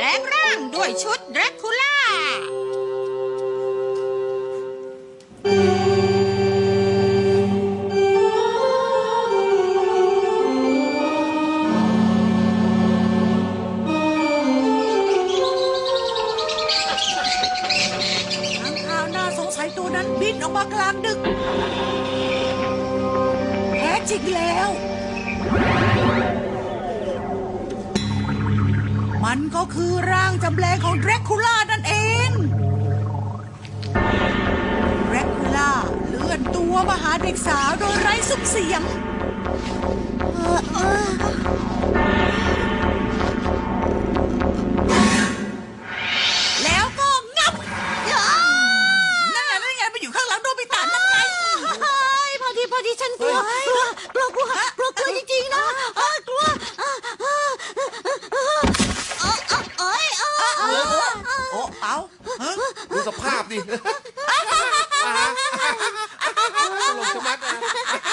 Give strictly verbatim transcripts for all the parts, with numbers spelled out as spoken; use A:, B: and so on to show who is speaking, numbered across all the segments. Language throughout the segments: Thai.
A: งร่างด้วยชุดแดร็กคูล่า
B: ตัวนั้นบินออกมากลางดึกแท้จริงแล้วมันก็คือร่างจำแรงของแดร็กคูล่านั่นเองแดร็กคูล่าเลื่อนตัวมาหาเด็กสาวโดยไร้ซุ้มเสียงแล้วก็งับ
C: พอดีพอดีฉันกลัวกลัวกลัวกลัวกลัวกลัวจริงๆนะกลัวเอ้ยเอ้ย
B: โอ้เอา
D: ดูสภาพดิตลกชะมัดนะ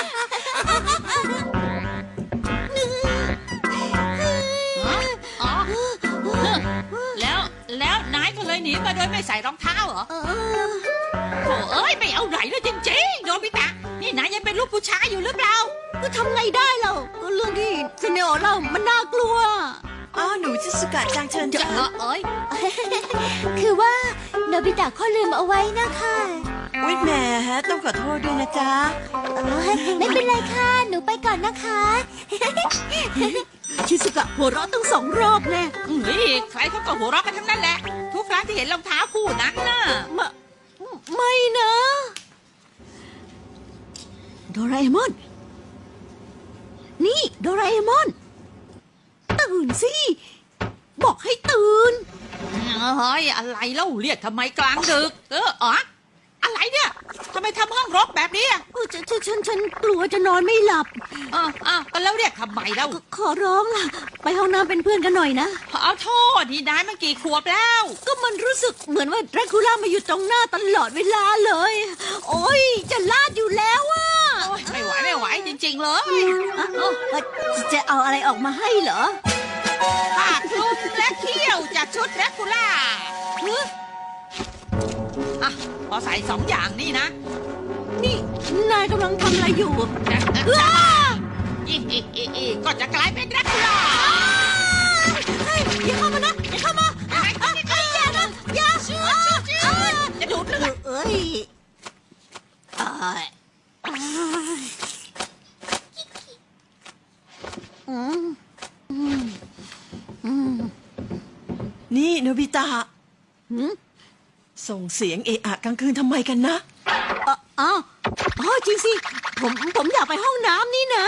A: แล้วแล้วนายก็เลยหนีมาโดยไม่ใส่รองเท้าเหรอโถ่เอ้ยไม่เอาไหนเลยจริงๆโนบิตะนี่นายยังเป็นลูกผู้ชายอยู่หรือเปล่า
C: ก็ทำไงได้เราก็เรื่องที่เซเนโอเล่ามันน่ากลัว
B: อ้าวหนูชิสุกะจังเชิญจ้า
A: เอ้ย
C: คือว่าโนบิตะเขาลืมเอาไว้นะคะ
B: อุ๊ยแหมต้องขอโทษด้วยนะจ๊ะ
C: ไม่เป็นไรค่ะหนูไปก่อนนะคะชิสุกะหัวเราะตั้งสองรอบแน่
A: เฮ้ยใครเขาก็หัวเราะกันทั้งนั้นแหละทุกครั้งที่เห็นรองเท้าคู่นั้นน่ะ
C: ไม่นะโดราเอมอนนี่โดราเอมอนตื่นสิบอกให้ตื่น
A: เฮ้ยอะไรเล่าเรียกทำไมกลางดึกเอออ๋ออะไรเนี่ยทำไมทำห้องรกแบบนี้อ่ะ
C: ฉันฉันฉันฉันกลัวจะนอนไม่หลับ
A: อ้าวอ้าวแล้วเรียกทำไมเล่า
C: ขอร้องล่ะไปห้องน้ำเป็นเพื่อนกันหน่อยนะ
A: เอาโทษนี่นายมันกี่ขวบแล้ว
C: ก็มันรู้สึกเหมือนว่าแดร็กคูล่ามาอยู่ตรงหน้าตลอดเวลาเลยโอ้ยจะลาดอยู่แล้วอ่ะ
A: ไม่ไหวไม่ไหวจริงๆเลย
C: จะเอาอะไรออกมาให้เหรอ
A: ปากคลุมและเขี้ยวจากชุดแดร็กคูล่าอ่ะพอใส่สองอย่างนี่นะ
C: นี่นายกำลังทำอะไรอยู่
A: อีอีอีอีก็จะกลายเป็นแดร็กคูล่า
C: อย่าเข้ามานะอย่าเข้ามาอย่านะอย่า
A: จะดูดเลือด
C: เอ้ย
B: นี่โนบิตะส่งเสียงเอะอะกลางคืนทำไมกันนะ
C: อ๋ออ๋อจริงสิผมผมอยากไปห้องน้ำนี่นะ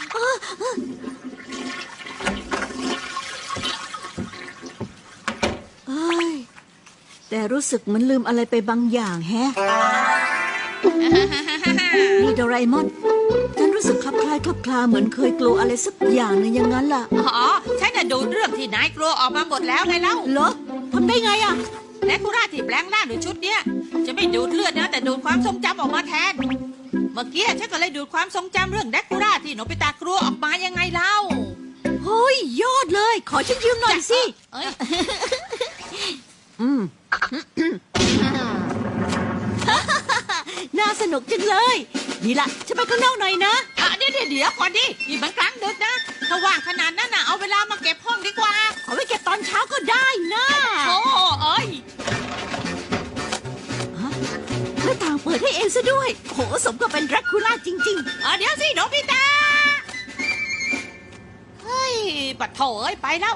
C: เอ้ยแต่รู้สึกมันลืมอะไรไปบางอย่างแฮะนี่โดราเอมอนฉันรู้สึกคลับคล้ายคลับคลาเหมือนเคยกลัวอะไรสักอย่างหนึ่งอย่างนั้นล่ะ
A: อ๋อฉันจะดูเรื่องที่นายกลัวออกมาหมดแล้วไงเล่า
C: เหรอทำได้ไงอ่ะ
A: แดร็กคูล่าที่แปลงร่างด้วยชุดเนี้ยจะไม่ดูดเลือดนะแต่ดูดความทรงจำออกมาแทนเมื่อกี้ฉันก็เลยดูดความทรงจำเรื่องแดร็กคูล่าที่โนบิตะกลัวออกมายังไงเล่า
C: เฮ้ยยอดเลยขอฉันยืมหน่อยสิ
A: เอ้ย
C: อืมน่าสนุกจังเลยนี่ล่ะฉันไปข้างนอกหน่อยนะ
A: อ่ะเดี๋ยวเดี๋ยวก่อนดินี่มันกลางดึกนะถ้าว่างขนาดนั้นน่ะเอาเวลามาเก็บห้องดีกว่า
C: เอาไว้เก็บตอนเช้าก็ได้นะ
A: โอ้เอ้ย
C: หน้าต่างเปิดให้เองซะด้วยโหสมกับเป็นแดร็กคูล่าจริง
A: ๆอ่ะเดี๋ยวสิโนบิตะเฮ้ยปัดโถเอ้ยไปแล้ว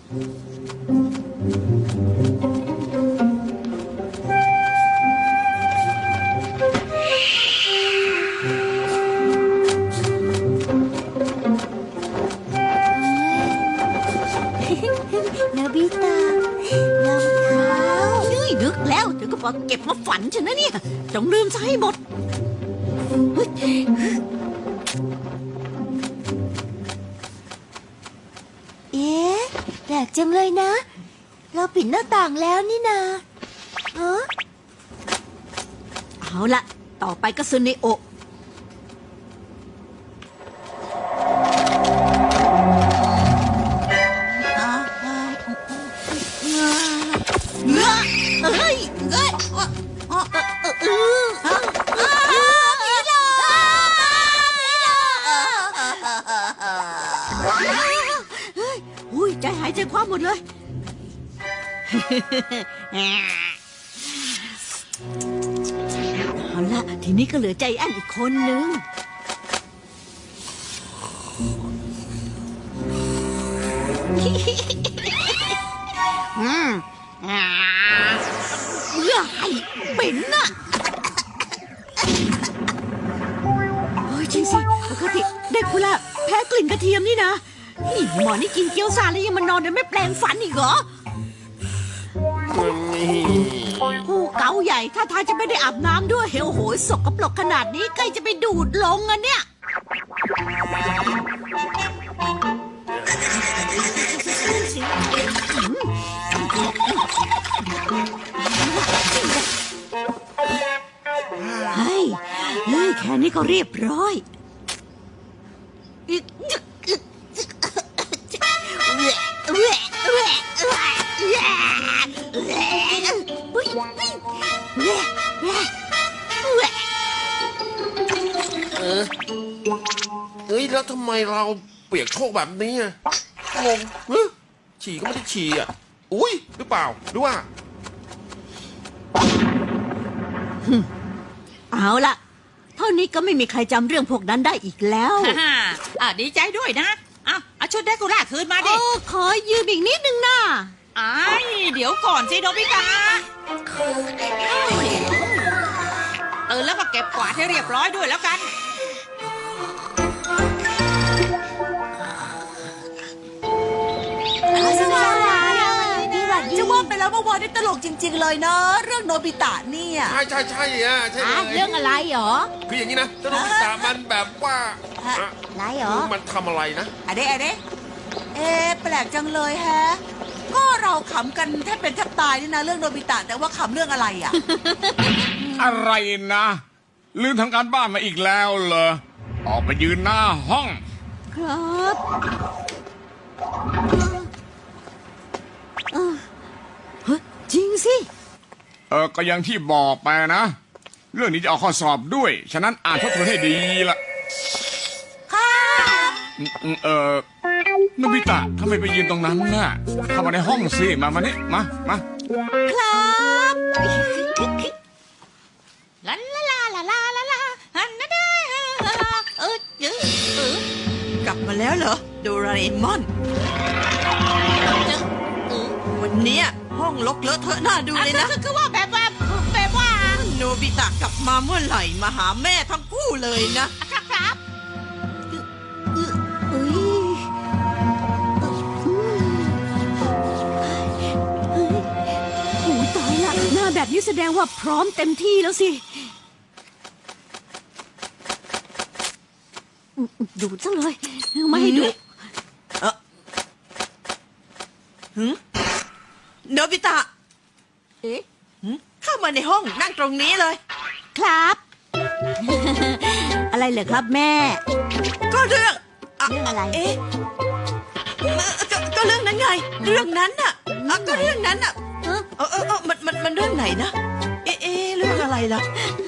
C: โนบิตะรองเท้ายืดดึกแล้วเดี๋ยวก็บอกเก็บมาฝันฉันนะเนี่ยจงลืมซะให้หมดเอ๊ะแปลกจังเลยนะเราปิดหน้าต่างแล้วนี่นาเออเอาละต่อไปก็ซึเนโอะใจหายใจคว่ำหมดเลย เอาละทีนี้ก็เหลือใจแอนอีกคนนึง อืมอ่าเบื่อไอ้เป็นน่ะโอ้ยจริงสิปกติเด็กคุละแพ้กลิ่นกระเทียมนี่นะนี่หมอนี่กินเกี๊ยวซ่าแล้วยังมานอนโดยไม่แปลงฟันอีกเหรอผู้เกาใหญ่ถ้าทางจะไม่ได้อาบน้ำด้วยเฮลโหยสกปรกขนาดนี้ใกล้จะไปดูดลงอ่ะเนี่ยเฮ้ยเฮ้ยแค่นี้ก็เรียบร้อย
D: เออเอ้ยแล้วทำไมเราเปียกโชกแบบนี้อะงงเฮ้ยฉี่ก็ไม่ได้ฉี่อ่ะอุ้ยหรือเปล่าหรือว่า
C: เอาล่ะเท่านี้ก็ไม่มีใครจำเรื่องพวกนั้นได้อีกแล้ว
A: ฮ่าอ่ะดีใจด้วยนะเอาเอาชุดเดคูล่าคืนมา
C: โอ้
A: ดิ
C: ขอยืมอีกนิดนึงนะ
A: ไอ้ายเดี๋ยวก่อนสิโนบิตะตื่นแล้วก็เก็บกวาดให้เรียบร้อยด้วยแล้วกัน
B: จะว่าไปแล้วเมื่อวานนี่ตลกจริง ๆ เลยนะเรื่องโนบิตะเนี่ย
D: ใช่ใช่ใช่อ่ะใช่เล
C: อ่ะ
D: ย
C: เรื่องอะไรหรอ
D: คืออย่างนี้นะเจ้าโนบิตะมันแบบว่าอะ
C: อะไรหรอ
D: คือมันทำอะไรนะ
B: อะเดะอะเดะเอ๊ะแปลกจังเลยแฮะ ก็เราขำกันแทบเป็นแทบตายนี่นะเรื่องโนบิตะแต่ว่าขำเรื่องอะไรอ่ะ
E: อะไรนะลืมทำการบ้านมาอีกแล้วเหรอออกไปยืนหน้าห้อง
C: ครับเออเฮ้ยจริงสิ
E: เออก็อย่างที่บอกไปนะ เรื่องนี้จะเอาข้อสอบด้วย ฉะนั้นอ่านทบทวนให้ดีละอืมอืมเออนบิตะทำไมไปยืนตรงนั้นน่ะเข้ามาในห้องสิมามานี่มามา
C: ครับ
A: ลาลาลาลาลาลาลาฮันนาดาเออเออเออก
B: ลับมาแล้วเหรอโดราเอมอน
A: เจอเออ
B: วันเนี้ยห้องลกเลอะเทอะน่าดูเลยนะ
A: คือคือว่าแบบว่าแบบว่า
B: โนบิตะกลับมาเมื่อไหร่มาหาแม่ทั้งคู่เลยนะ
A: ครับครับ
C: เอ้ยเอ้ยโอ้ยตายละหน้าแบบนี้แสดงว่าพร้อมเต็มที่แล้วสิดูดซะเลยไม่ให้ดู
B: โนบิตะ
C: เอ๊ะ
B: หึเข้ามาในห้องนั่งตรงนี้เลย
C: ครับ อะไรเหรอครับแม่
B: ก็เรื่อง
C: เรื่องอะไร
B: เอ๊ะเอ่อก็ก็เรื่องนั้นไง เรื่องนั้นน่ะอ่ะก็เรื่องนั้นน่ะ
C: เออ
B: เออเออเออมันมันมันเรื่องไหนนะ เอ๊ะเอ๊ะเรื่องอะไรล่ะ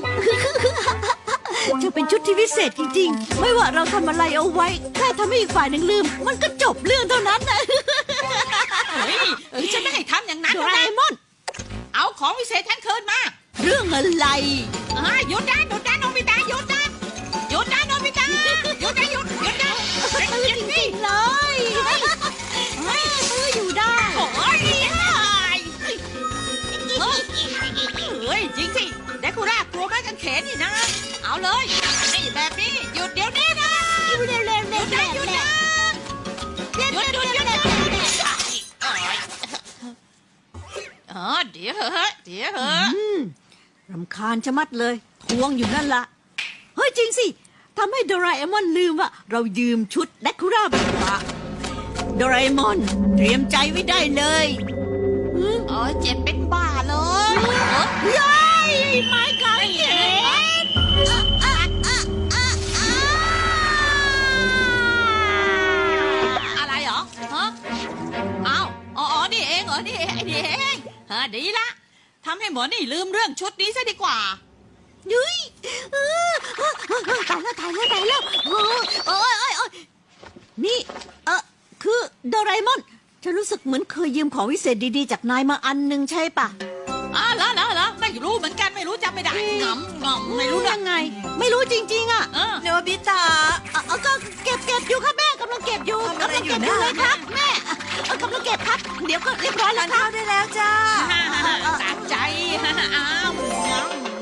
C: จะเป็นชุดที่พิเศษจริงๆ ไม่ว่าเราทำอะไรเอาไว้ แค่ทำให้อีกฝ่ายหนึ่งลืม มันก็จบเรื่องเท่านั้นนะ
A: เฮ้ยเออฉันไม่ให้ทำอย่างนั้น
C: โด
A: หรอก
C: ราเอ
A: นะ
C: มอน
A: เอาของวิเศษฉันคืนมา
C: เรื่องอะไร
A: อ่าหยุดนะหยุดนะโนบิตะหยุดนะหยุดนะโนบิตะหยุดนะหยุดหยุดนะ
C: ตื้อจริงๆเลยตื้ออยู่ได้
A: โอ้ยเฮ้ยจริงสิเดคูล่ากลัวไม้กางเขนนี่นะ เอาเลยนี่แบบนี้หยุดเดี๋ยวนี้นะ
C: เร็วเร็วเร็ว
A: หยุด
C: เร็
A: นะ
C: ว
A: หยุด
C: เร็ว
A: นะหยุดหยุดหยุดหยุดหยุดอ๋อเดี๋ยวเหอะเดี๋ยวเหอะ
C: รำคาญชะมัดเลย ทวงอยู่นั่นละเฮ้ยจริงสิทำให้โดราเอมอนลืมว่าเรายืมชุดแดคูล่าไปละโดราเอมอนเตรียมใจไว้ได้เลย
A: เออเจ็บเป็นบ้าเลย
C: ย้ายไม้กางเขน
A: อะไรเหรอฮะอ้าวอ๋อนี่เองเหรอนี่ไอ้นี่เองฮะดีละทำให้หมอนี่ลืมเรื่องชุดนี้ซะดีกว่า
C: ยุ้ยเออตายแล้วตายแล้วตายแล้วโอ้ยโอ้ยโอ้ยโอ้ยนี่เออคือโดราเอมอนฉันรู้สึกเหมือนเคยยืมของวิเศษดีๆจากนายมาอันหนึงใช่ปะ
A: อ๋อเหรอเหรอเหรอไม่รู้เหมือนกันไม่รู้จำไม่ได้งำงำไม่รู้
C: ยั
A: เรื่อง
C: งไง ไม่รู้จริงๆอ่ะ
A: เออ
B: โนบิตะ
C: เอาเอาก็เก็บเก็บอยู่ครับแม่กำลังเก็บอยู่
B: ทำอะไร
C: กำลังเก็บ
B: อ
C: อยู่ ยู่
B: นะ
C: เลยครับแม่เอากำลังเก็บครับ เดี๋ยวก็เรียบร้อย
B: ทา
C: แล้ว
B: น
C: ครั
B: ข้า
C: บ
B: วได้แล้วจ้า
A: สะใจอ้าว